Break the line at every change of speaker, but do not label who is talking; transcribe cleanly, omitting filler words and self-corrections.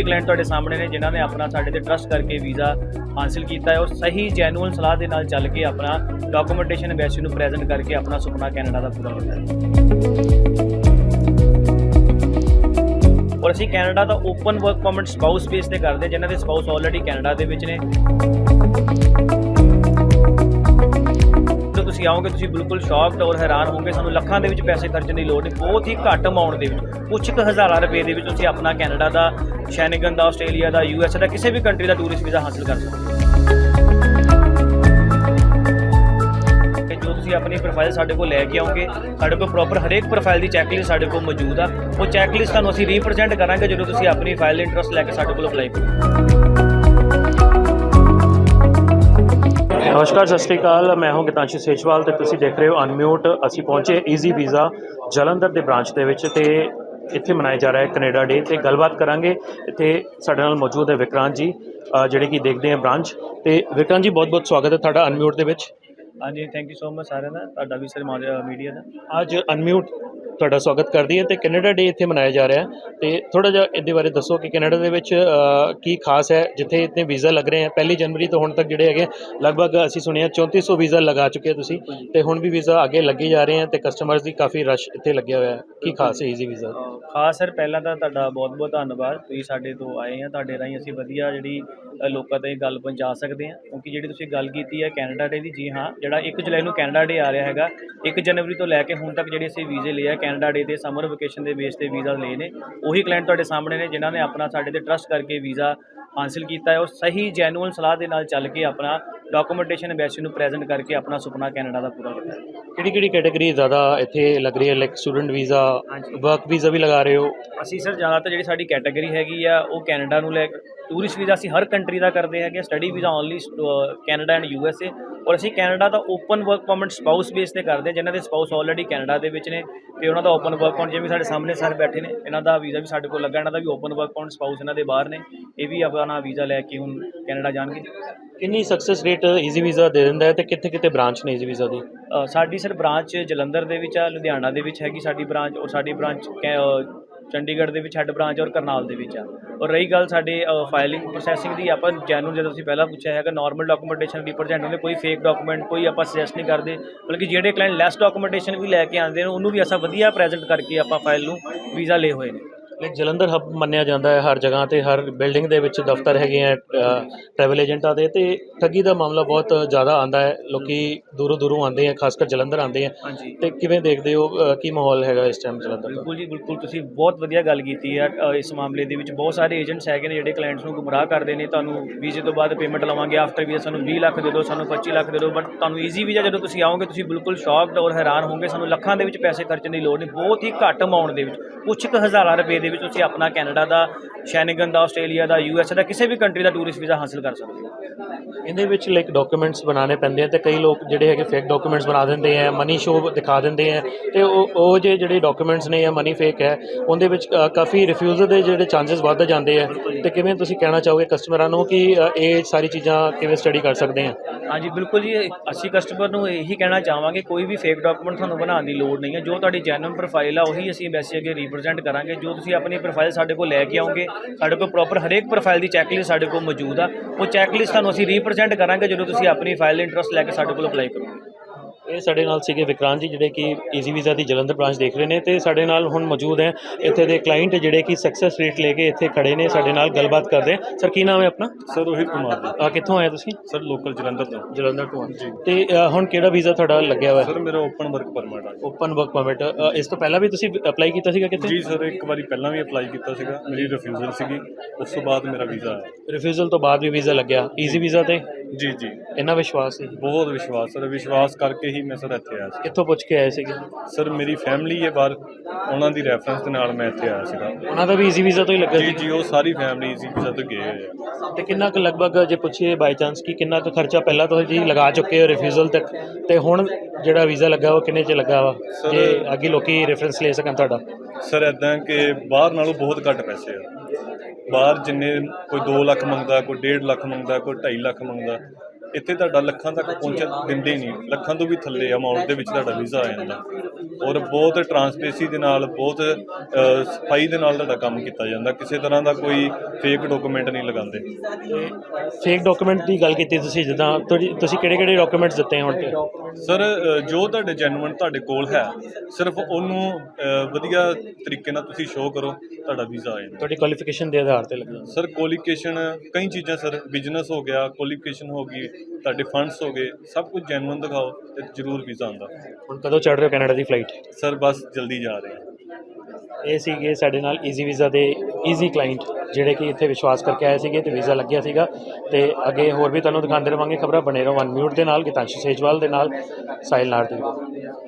Client तुहाडे सामने ने जिन्हां ने अपना साडे ते ट्रस्ट करके वीज़ा हासिल किया है और सही जैनुअल सलाह दे नाल चल के अपना डॉक्यूमेंटेशन एम्बेसी नूं प्रेजेंट करके अपना सुपना कैनेडा का पूरा किया और असीं कैनेडा का open work permit spouse base ते करदे जिन्हां दे स्पाउस ऑलरेडी कैनेडा दे विच ने। जो तुसीं आओगे तुसीं बिल्कुल शॉक्ड और हैरान होंगे, सानूं ਲੱਖਾਂ ਦੇ ਵਿੱਚ ਪੈਸੇ ਖਰਚਣ ਦੀ ਲੋੜ ਨਹੀਂ, बहुत ही घੱਟ अमाउंट ਦੇ ਵਿੱਚ ਕੁਝ ਕੁ ਹਜ਼ਾਰਾਂ ਰੁਪਏ ਦੇ ਵਿੱਚ ਤੁਸੀਂ ਆਪਣਾ ਕੈਨੇਡਾ ਦਾ, ਸ਼ੈਨਗਨ ਦਾ, ਆਸਟ੍ਰੇਲੀਆ ਦਾ, USA ਦਾ, ਕਿਸੇ ਵੀ ਕੰਟਰੀ ਦਾ ਟੂਰਿਸਟ ਵੀਜ਼ਾ ਹਾਸਲ ਕਰ ਸਕਦੇ ਹੋ। ਜੋ ਤੁਸੀਂ ਆਪਣੀ ਪ੍ਰੋਫਾਈਲ ਸਾਡੇ ਕੋਲ ਲੈ ਕੇ ਆਓਗੇ, ਸਾਡੇ ਕੋਲ ਪ੍ਰੋਪਰ ਹਰੇਕ ਪ੍ਰੋਫਾਈਲ ਦੀ ਚੈੱਕਲਿਸਟ ਸਾਡੇ ਕੋਲ ਮੌਜੂਦ ਆ। ਉਹ ਚੈੱਕਲਿਸਟ ਤੁਹਾਨੂੰ ਅਸੀਂ ਰੀਪ੍ਰੈਜ਼ੈਂਟ ਕਰਾਂਗੇ ਜਦੋਂ ਤੁਸੀਂ ਆਪਣੀ ਫਾਈਲ ਦੇ ਇੰਟਰਸਟ ਲੈ ਕੇ ਸਾਡੇ ਕੋਲ ਅਪਲਾਈ ਕਰੋ।
नमस्कार, सत श्री अकाल। मैं हूं गीतांशु सेजवाल तो तुसीं देख रहे हो अनम्यूट। असीं पहुंचे ईजी वीज़ा जलंधर के ब्रांच के इत्थे मनाया जा रहा है कनेडा डे। तो गलबात करांगे। इत्थे साडे नाल मौजूद है विक्रांत जी जिहड़े कि देखते हैं ब्रांच। तो विक्रांत जी बहुत बहुत स्वागत है तुहाडा अनम्यूट दे विच।
हाँ जी, थैंक यू सो मच सारिਆਂ ਦਾ, ਤੁਹਾਡਾ ਵੀ ਸਰ मीडिया का
ਅੱਜ ਅਨਮਿਊਟ ਤੁਹਾਡਾ ਸਵਾਗਤ ਕਰਦੀ ਹੈ। ਤੇ ਕੈਨੇਡਾ ਡੇ ਇੱਥੇ ਮਨਾਇਆ ਜਾ ਰਿਹਾ ਹੈ ਤੇ ਥੋੜਾ ਜਿਹਾ ਇਹਦੇ ਬਾਰੇ ਦੱਸੋ ਕਿ ਕੈਨੇਡਾ ਦੇ ਵਿੱਚ ਕੀ ਖਾਸ ਹੈ ਜਿੱਥੇ ਇਤਨੇ ਵੀਜ਼ਾ ਲੱਗ ਰਹੇ ਹਨ। 1 ਜਨਵਰੀ ਤੋਂ ਹੁਣ ਤੱਕ ਜਿਹੜੇ ਹੈਗੇ ਲਗਭਗ ਅਸੀਂ ਸੁਣਿਆ 3400 ਵੀਜ਼ਾ ਲਗਾ ਚੁੱਕੇ ਤੁਸੀਂ ਤੇ ਹੁਣ ਵੀ ਵੀਜ਼ਾ ਅੱਗੇ ਲੱਗੇ ਜਾ ਰਹੇ ਹਨ ਤੇ ਕਸਟਮਰਸ ਦੀ ਕਾਫੀ ਰਸ਼ ਇੱਥੇ ਲੱਗਿਆ ਹੋਇਆ ਹੈ। ਕੀ ਖਾਸ ਹੈ ਈਜ਼ੀ ਵੀਜ਼ਾ?
ਖਾਸ ਸਰ ਪਹਿਲਾਂ ਤਾਂ ਤੁਹਾਡਾ ਬਹੁਤ ਬਹੁਤ ਧੰਨਵਾਦ, ਤੁਸੀਂ ਸਾਡੇ ਤੋਂ ਆਏ ਆ, ਤੁਹਾਡੇ ਰਾਹੀਂ ਅਸੀਂ ਵਧੀਆ ਜਿਹੜੀ ਲੋਕਾਂ ਤੱਕ ਗੱਲ ਪਹੁੰਚਾ ਸਕਦੇ ਹਾਂ। ਕਿਉਂਕਿ ਜਿਹੜੀ ਤੁਸੀਂ ਗੱਲ ਕੀਤੀ ਹੈ ਕੈਨੇਡਾ ਡੇ ਦੀ, ਜੀ ਹਾਂ, ਜਿਹੜਾ 1 ਜੁਲਾਈ ਨੂੰ ਕੈਨੇਡਾ ਡੇ ਆ ਰਿਹਾ ਹੈਗਾ, 1 ਜਨਵਰੀ ਤੋਂ ਲੈ ਕੇ ਹੁਣ ਤੱਕ ਜਿਹੜੇ ਅਸੀਂ ਵੀਜ਼ੇ ਲਏ ਆ ਕੈਨੇਡਾ ਡੇ ਦੇ ਸਮਰ वेकेशन के बेस पर वीज़ा ले ने, वही क्लाइंट तुहाडे सामने ने जिन्हां ने अपना साडे ते ट्रस्ट करके वीज़ा हासिल किया है और सही जैनुअल सलाह के नाल चल के अपना डॉक्यूमेंटेशन एम्बेसी नूं प्रेजेंट करके अपना सुपना कैनेडा का पूरा किया।
किहड़ी कैटेगरी ज़्यादा इत्थे लग रही है? Like student visa, work visa भी लगा रहे हो?
असी सर ज़्यादातर जी साडी कैटेगरी हैगी आ वो कैनेडा नूं लै टूरिस्ट वीज़ा असी हर कंट्री का करते हैं, study visa only Canada and USA और असी कैनेडा का open work permit spouse base पर करते हैं जिन्हों के स्पाउस ऑलरेडी कैनेडा के ने तो उन्होंने ओपन वर्क परमिट जिवें साडे सामने सर बैठे ने, इन्हों का वीज़ा भी साडे कोल लगा, इन्हों का भी ओपन वर्क परमिट स्पाउस इन्हों के बाहर ने, ये भी अपना वीज़ा लैके हुण कैनेडा जाणगे।
कितनी सक्सेस रेट ईजी वीज़ा दे दिंदा है ते कित्थे कित्थे ब्रांच ने ईजी वीज़ा दी?
साडी सर ब्रांच जलंधर दे विच आ, लुधियाना दे विच हैगी साडी ब्रांच और साडी ब्रांच चंडीगढ़ ਦੇ ਵਿੱਚ ਹੈੱਡ ਬ੍ਰਾਂਚ ਔਰ ਕਰਨਾਲ ਦੇ ਵਿੱਚ ਆ। ਔਰ ਰਹੀ ਗੱਲ ਸਾਡੇ ਫਾਈਲਿੰਗ ਪ੍ਰੋਸੈਸਿੰਗ ਦੀ, ਆਪਾਂ ਜੈਨੂਅਲ ਜਦੋਂ ਤੁਸੀਂ ਪਹਿਲਾਂ ਪੁੱਛਿਆ ਹੈਗਾ ਨਾਰਮਲ ਡਾਕੂਮੈਂਟੇਸ਼ਨ ਰਿਪਰੈਜ਼ੈਂਟ ਹੁੰਦੇ, ਕੋਈ ਫੇਕ ਡਾਕੂਮੈਂਟ ਕੋਈ ਆਪਾਂ ਸੁਜੈਸਟ ਨਹੀਂ ਕਰਦੇ, ਬਲਕਿ ਜਿਹੜੇ ਕਲਾਇੰਟ ਲੈਸ ਡਾਕੂਮੈਂਟੇਸ਼ਨ ਵੀ ਲੈ ਕੇ ਆਉਂਦੇ ਨੇ ਉਹਨੂੰ ਵੀ ਐਸਾ ਵਧੀਆ ਪ੍ਰੈਜ਼ੈਂਟ ਕਰਕੇ ਆਪਾਂ ਫਾਈਲ ਨੂੰ ਵੀਜ਼ਾ ਲਏ ਹੋਏ ਨੇ।
ਲਾਈਕ ਜਲੰਧਰ ਹੱਬ ਮੰਨਿਆ ਜਾਂਦਾ ਹੈ ਹਰ ਜਗ੍ਹਾ ਤੇ, ਹਰ ਬਿਲਡਿੰਗ ਦੇ ਵਿੱਚ ਦਫ਼ਤਰ ਹੈਗੇ ਆ ਟਰੈਵਲ ਏਜੰਟਾਂ ਦੇ, ਤੇ ਠੱਗੀ ਦਾ ਮਾਮਲਾ ਬਹੁਤ ਜ਼ਿਆਦਾ ਆਉਂਦਾ ਹੈ, ਲੋਕੀ ਦੂਰੋਂ ਦੂਰੋਂ ਆਉਂਦੇ ਆ, ਖਾਸ ਕਰ ਜਲੰਧਰ ਆਉਂਦੇ ਆ।
ਹਾਂਜੀ,
ਤੇ ਕਿਵੇਂ ਦੇਖਦੇ ਹੋ ਕੀ ਮਾਹੌਲ ਹੈਗਾ ਇਸ ਟਾਈਮ ਜਲੰਧਰ ਦਾ?
ਬਿਲਕੁਲ ਜੀ ਬਿਲਕੁਲ, ਤੁਸੀਂ ਬਹੁਤ ਵਧੀਆ ਗੱਲ ਕੀਤੀ ਹੈ। ਇਸ ਮਾਮਲੇ ਦੇ ਵਿੱਚ ਬਹੁਤ ਸਾਰੇ ਏਜੰਟਸ ਹੈਗੇ ਨੇ ਜਿਹੜੇ ਕਲਾਇੰਟਸ ਨੂੰ ਗੁੰਮਰਾਹ ਕਰਦੇ ਨੇ, ਤੁਹਾਨੂੰ ਵੀਜ਼ੇ ਤੋਂ ਬਾਅਦ ਪੇਮੈਂਟ ਲਵਾਂਗੇ, ਆਫਟਰ ਵੀਜ਼ਾ ਸਾਨੂੰ 20 ਲੱਖ ਦੇ ਦਿਓ, ਸਾਨੂੰ 25 ਲੱਖ ਦੇ ਦਿਓ, ਬਟ ਤੁਹਾਨੂੰ ਈਜ਼ੀ ਵੀਜ਼ਾ ਜਦੋਂ ਤੁਸੀਂ ਆਓਗੇ ਤੁਸੀਂ ਬਿਲਕੁਲ ਸ਼ੌਕਡ ਔਰ ਹੈਰਾਨ ਹੋਗੇ, ਸਾਨੂੰ ਲੱਖਾਂ ਦੇ ਵਿੱਚ ਪੈਸੇ ਖਰਚਣ ਦੀ ਲੋੜ ਨਹੀਂ, ਬਹੁਤ ਹੀ ਘੱਟ ਅਮਾਊਂਟ ਦੇ ਵਿੱਚ ਕੁਝ ਕੁ ਹਜ਼ਾਰਾਂ ਰੁਪਏ ਦੇ ਵਿੱਚ ਤੁਸੀਂ ਆਪਣਾ ਕੈਨੇਡਾ ਦਾ, ਸ਼ੈਨਗਨ ਦਾ, ਆਸਟ੍ਰੇਲੀਆ ਦਾ, USA ਦਾ, ਕਿਸੇ ਵੀ ਕੰਟਰੀ ਦਾ ਟੂਰਿਸਟ ਵੀਜ਼ਾ ਹਾਸਿਲ ਕਰ ਸਕਦੇ ਹੋ।
ਇਹਦੇ ਵਿੱਚ ਲਾਈਕ ਡਾਕੂਮੈਂਟਸ ਬਣਾਉਣੇ ਪੈਂਦੇ ਆ ਤੇ ਕਈ ਲੋਕ ਜਿਹੜੇ ਹੈਗੇ ਫੇਕ ਡਾਕੂਮੈਂਟਸ ਬਣਾ ਦਿੰਦੇ ਆ, ਮਨੀ ਸ਼ੋ ਦਿਖਾ ਦਿੰਦੇ ਆ, ਤੇ ਉਹ ਜਿਹੜੇ ਡਾਕੂਮੈਂਟਸ ਨੇ ਜਾਂ ਮਨੀ ਫੇਕ ਹੈ ਉਹਦੇ ਵਿੱਚ ਕਾਫੀ ਰਿਫਿਊਜ਼ਲ ਦੇ ਜਿਹੜੇ ਚਾਂਸਸ ਵੱਧ ਜਾਂਦੇ ਆ। ਤੇ ਕਿਵੇਂ ਤੁਸੀਂ ਕਹਿਣਾ ਚਾਹੋਗੇ ਕਸਟਮਰਾਂ ਨੂੰ ਕਿ ਇਹ ਸਾਰੀ ਚੀਜ਼ਾਂ ਕਿਵੇਂ ਸਟੱਡੀ ਕਰ ਸਕਦੇ ਆ?
ਹਾਂਜੀ ਬਿਲਕੁਲ ਜੀ, ਅਸੀਂ ਕਸਟਮਰ ਨੂੰ ਇਹੀ ਕਹਿਣਾ ਚਾਹਾਂਗੇ ਕੋਈ ਵੀ ਫੇਕ ਡਾਕੂਮੈਂਟ ਤੁਹਾਨੂੰ ਬਣਾਉਣ ਦੀ ਲੋੜ ਨਹੀਂ ਹੈ। ਜੋ ਤੁਹਾਡੀ ਜੈਨੂਅਨ ਪ੍ਰੋਫਾਈਲ ਆ ਉਹੀ ਅਸੀਂ ਐਮਬੈਸੀ ਅੱਗੇ ਰੀਪ੍ਰੈਜ਼ੈਂਟ ਕਰਾਂਗੇ। ਜੋ ਤੁਸੀਂ ਆਪਣੀ ਪ੍ਰੋਫਾਈਲ ਸਾਡੇ ਕੋਲ ਲੈ ਕੇ ਆਓਗੇ, ਸਾਡੇ ਕੋਲ ਪ੍ਰੋਪਰ ਹਰੇਕ ਪ੍ਰੋਫਾਈਲ ਦੀ ਚੈੱਕਲਿਸਟ ਸਾਡੇ ਕੋਲ ਮੌਜੂਦ ਆ। ਉਹ ਚੈੱਕਲਿਸਟ ਤੁਹਾਨੂੰ ਅਸੀਂ ਰੀਪ੍ਰੈਜ਼ੈਂਟ ਕਰਾਂਗੇ ਜਦੋਂ ਤੁਸੀਂ ਆਪਣੀ ਫਾਈਲ ਦੇ ਇੰਟਰਸਟ ਲੈ ਕੇ ਸਾਡੇ ਕੋਲ ਅਪਲਾਈ ਕਰੋਗੇ।
ਇਹ ਸਾਡੇ ਨਾਲ ਸੀਗੇ ਵਿਕਰਾਂਤ ਜੀ ਜਿਹੜੇ ਕਿ ਈਜ਼ੀ ਵੀਜ਼ਾ ਦੀ ਜਲੰਧਰ ਬ੍ਰਾਂਚ ਦੇਖ ਰਹੇ ਨੇ, ਤੇ ਸਾਡੇ ਨਾਲ ਹੁਣ ਮੌਜੂਦ ਹੈ ਇੱਥੇ ਦੇ ਕਲਾਇੰਟ ਜਿਹੜੇ ਕਿ ਸਕਸੈਸ ਰੇਟ ਲੈ ਕੇ ਇੱਥੇ ਖੜੇ ਨੇ, ਸਾਡੇ ਨਾਲ ਗੱਲਬਾਤ ਕਰਦੇ ਆ। ਸਰ ਕੀ ਨਾਮ ਹੈ ਆਪਣਾ?
ਸਰ ਰੋਹਿਤ ਕੁਮਾਰ ਜੀ।
ਕਿੱਥੋਂ ਆਏ ਤੁਸੀਂ?
ਸਰ ਲੋਕਲ ਜਲੰਧਰ ਤੋਂ।
ਜਲੰਧਰ ਤੋਂ ਜੀ। ਤੇ ਹੁਣ ਕਿਹੜਾ ਵੀਜ਼ਾ ਤੁਹਾਡਾ ਲੱਗਿਆ ਹੋਇਆ?
ਸਰ ਮੇਰਾ ਓਪਨ ਵਰਕ ਪਰਮਿਟ ਆ।
Open work permit. ਇਸ ਤੋਂ ਪਹਿਲਾਂ ਵੀ ਤੁਸੀਂ ਅਪਲਾਈ ਕੀਤਾ ਸੀਗਾ ਕਿਤੇ?
ਜੀ ਸਰ, ਇੱਕ ਵਾਰੀ ਪਹਿਲਾਂ ਵੀ ਅਪਲਾਈ ਕੀਤਾ ਸੀਗਾ, ਮੇਰੀ ਰਿਫਿਊਜ਼ਲ ਸੀਗੀ, ਉਸ ਤੋਂ ਬਾਅਦ ਮੇਰਾ ਵੀਜ਼ਾ ਆਇਆ।
ਰਿਫਿਊਜ਼ਲ ਤੋਂ ਬਾਅਦ ਵੀ ਵੀਜ਼ਾ ਲੱਗਿਆ ਈਜ਼ੀ ਵੀਜ਼ਾ ਤੇ?
ਜੀ ਜੀ,
ਇੰਨਾ ਵਿਸ਼ਵਾਸ ਸੀ?
ਬਹੁਤ ਵਿਸ਼ਵਾਸ ਸਰ, ਵਿਸ਼ਵਾਸ ਕਰਕੇ ਹੀ ਮੈਂ ਸਰ ਇੱਥੇ ਆਇਆ ਸੀ।
ਕਿੱਥੋਂ ਪੁੱਛ ਕੇ ਆਏ ਸੀਗੇ?
ਸਰ ਮੇਰੀ ਫੈਮਿਲੀ ਹੈ ਬਾਹਰ, ਉਹਨਾਂ ਦੀ ਰੈਫਰੈਂਸ ਦੇ ਨਾਲ ਮੈਂ ਇੱਥੇ ਆਇਆ ਸੀਗਾ।
ਉਹਨਾਂ ਦਾ ਵੀ ਈਜ਼ੀ ਵੀਜ਼ਾ ਤੋਂ ਹੀ ਲੱਗਾ
ਜੀ
ਸੀ?
ਜੀ, ਉਹ ਸਾਰੀ ਫੈਮਿਲੀ ਈਜ਼ੀ ਵੀਜ਼ਾ ਤੋਂ ਗਏ ਹੋਏ ਆ।
ਤੇ ਕਿੰਨਾ ਕੁ ਲਗਭਗ ਜੇ ਪੁੱਛੀਏ ਬਾਈ ਚਾਂਸ ਕਿ ਕਿੰਨਾ ਕੁ ਖਰਚਾ ਪਹਿਲਾਂ ਤੋਂ ਜੀ ਲਗਾ ਚੁੱਕੇ ਹੋ ਰਿਫਿਊਜ਼ਲ ਤੱਕ, ਤੇ ਹੁਣ ਜਿਹੜਾ ਵੀਜ਼ਾ ਲੱਗਾ ਉਹ ਕਿੰਨੇ 'ਚ ਲੱਗਾ ਵਾ ਜੇ ਅੱਗੇ ਲੋਕੀ ਰੈਫਰੈਂਸ ਲੈ ਸਕਣ ਤੁਹਾਡਾ?
ਸਰ ਇੱਦਾਂ ਕਿ ਬਾਹਰ ਨਾਲੋਂ ਬਹੁਤ ਘੱਟ ਪੈਸੇ ਆ। ਬਾਹਰ ਜਿੰਨੇ ਕੋਈ 2 ਲੱਖ ਮੰਗਦਾ, ਕੋਈ 1.5 ਲੱਖ ਮੰਗਦਾ, ਕੋਈ 2.5 ਲੱਖ ਮੰਗਦਾ, ਇੱਥੇ ਤੁਹਾਡਾ ਲੱਖਾਂ ਤੱਕ ਪਹੁੰਚਣ ਦਿੰਦੇ ਨਹੀਂ, ਲੱਖਾਂ ਤੋਂ ਵੀ ਥੱਲੇ ਅਮਾਊਂਟ ਦੇ ਵਿੱਚ ਤੁਹਾਡਾ ਵੀਜ਼ਾ ਆ ਜਾਂਦਾ ਔਰ ਬਹੁਤ ਟਰਾਂਸਪੇਰੈਂਸੀ ਦੇ ਨਾਲ, ਬਹੁਤ ਸਫਾਈ ਦੇ ਨਾਲ ਤੁਹਾਡਾ ਕੰਮ ਕੀਤਾ ਜਾਂਦਾ। ਕਿਸੇ ਤਰ੍ਹਾਂ ਦਾ ਕੋਈ ਫੇਕ ਡਾਕੂਮੈਂਟ ਨਹੀਂ ਲਗਾਉਂਦੇ।
ਫੇਕ ਡਾਕੂਮੈਂਟ ਦੀ ਗੱਲ ਕੀਤੀ ਤੁਸੀਂ, ਜਿੱਦਾਂ ਤੁਸੀਂ ਕਿਹੜੇ ਡਾਕੂਮੈਂਟਸ ਦਿੱਤੇ ਹੁਣ ਤੇ?
ਸਰ ਜੋ ਤੁਹਾਡੇ ਜੈਨੂਅਨ ਤੁਹਾਡੇ ਕੋਲ ਹੈ, ਸਿਰਫ ਉਹਨੂੰ ਵਧੀਆ ਤਰੀਕੇ ਨਾਲ ਤੁਸੀਂ ਸ਼ੋਅ ਕਰੋ, ਤੁਹਾਡਾ ਵੀਜ਼ਾ ਆ ਜਾਂਦਾ।
ਤੁਹਾਡੀ ਕੁਆਲੀਫਿਕੇਸ਼ਨ ਦੇ ਆਧਾਰ ਤੇ ਲੱਗਦਾ?
ਸਰ ਕੁਆਲੀਫਿਕੇਸ਼ਨ ਕਈ ਚੀਜ਼ਾਂ ਸਰ, ਬਿਜ਼ਨਸ ਹੋ ਗਿਆ, ਕੁਆਲੀਫਿਕੇਸ਼ਨ ਹੋ ਗਈ, ਤੁਹਾਡੇ ਫੰਡਸ ਹੋ ਗਏ, ਸਭ ਕੁਝ ਜੈਨੂਅਨ ਦਿਖਾਓ ਤੇ ਜ਼ਰੂਰ ਵੀਜ਼ਾ ਆਉਂਦਾ।
ਹੁਣ ਕਦੋਂ ਚੜ੍ਹ ਰਹੇ ਹੋ ਕੈਨੇਡਾ ਦੀ ਫਲਾਈਟ?
ਸਰ ਬਸ ਜਲਦੀ ਜਾ ਰਹੇ ਹਾਂ।
ਇਹ ਸੀਗੇ ਸਾਡੇ ਨਾਲ ਈਜ਼ੀ ਵੀਜ਼ਾ ਦੇ ਈਜ਼ੀ ਕਲਾਇੰਟ, ਜਿਹੜੇ ਕਿ ਇੱਥੇ ਵਿਸ਼ਵਾਸ ਕਰਕੇ ਆਏ ਸੀਗੇ ਤੇ ਵੀਜ਼ਾ ਲੱਗਿਆ ਸੀਗਾ। ਤੇ ਅੱਗੇ ਹੋਰ ਵੀ ਤੁਹਾਨੂੰ ਦਿਖਾਉਂਦੇ ਰਹਾਂਗੇ ਖਬਰਾਂ। ਬਣੇ ਰਹੋ ਅਨਮਿਊਟ ਦੇ ਨਾਲ, ਗਿਤਾਂਸ਼ੂ ਸੇਜਵਾਲ ਦੇ ਨਾਲ, ਸਾਹਿਲ ਨਾਰਦੀ।